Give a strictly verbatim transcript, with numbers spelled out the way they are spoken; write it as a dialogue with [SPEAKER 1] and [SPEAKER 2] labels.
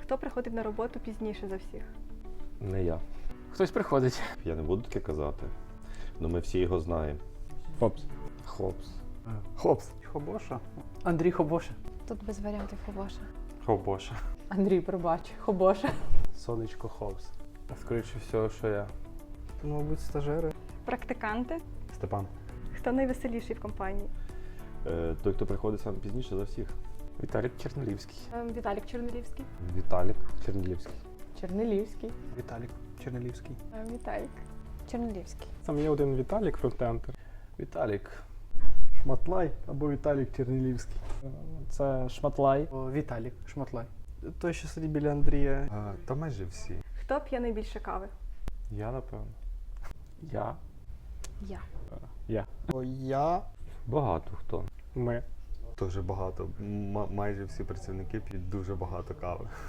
[SPEAKER 1] Хто приходить на роботу пізніше за всіх?
[SPEAKER 2] Не я.
[SPEAKER 3] Хтось приходить.
[SPEAKER 4] Я не буду таке казати, але ми всі його знаємо.
[SPEAKER 2] Хопс.
[SPEAKER 3] Хлопс.
[SPEAKER 2] Хопс.
[SPEAKER 5] Хобоша.
[SPEAKER 3] Андрій Хобоша.
[SPEAKER 6] Тут без варіантів Хобоша.
[SPEAKER 5] Хобоша.
[SPEAKER 7] Андрій, пробач, Хобоша.
[SPEAKER 2] Сонечко Хопс. Скоріше всього, що я.
[SPEAKER 5] Мабуть, стажери.
[SPEAKER 1] Практиканти?
[SPEAKER 5] Степан.
[SPEAKER 1] Хто найвеселіший в компанії?
[SPEAKER 4] Е, той, хто приходить сам пізніше за всіх.
[SPEAKER 3] Віталік Чернолівський.
[SPEAKER 7] Ем, Віталік Чернелівський.
[SPEAKER 2] Віталік Чернілівський.
[SPEAKER 7] Чернелівський.
[SPEAKER 5] Віталік Чернелівський.
[SPEAKER 6] Ем, Віталік. Чернелівський.
[SPEAKER 8] Там є один Віталік, фронтентер.
[SPEAKER 2] Віталік.
[SPEAKER 8] Шматлай або Віталік Чернілівський. Це Шматлай.
[SPEAKER 5] О, Віталік Шматлай. Той, що сидить біля Андрія.
[SPEAKER 9] А, та майже всі.
[SPEAKER 1] Хто п'є найбільше кави?
[SPEAKER 8] Я, напевно.
[SPEAKER 2] Я.
[SPEAKER 6] Я.
[SPEAKER 8] Я.
[SPEAKER 5] О, я.
[SPEAKER 4] Багато хто.
[SPEAKER 8] Ми.
[SPEAKER 9] Дуже багато. М- майже всі працівники п'ють дуже багато кави.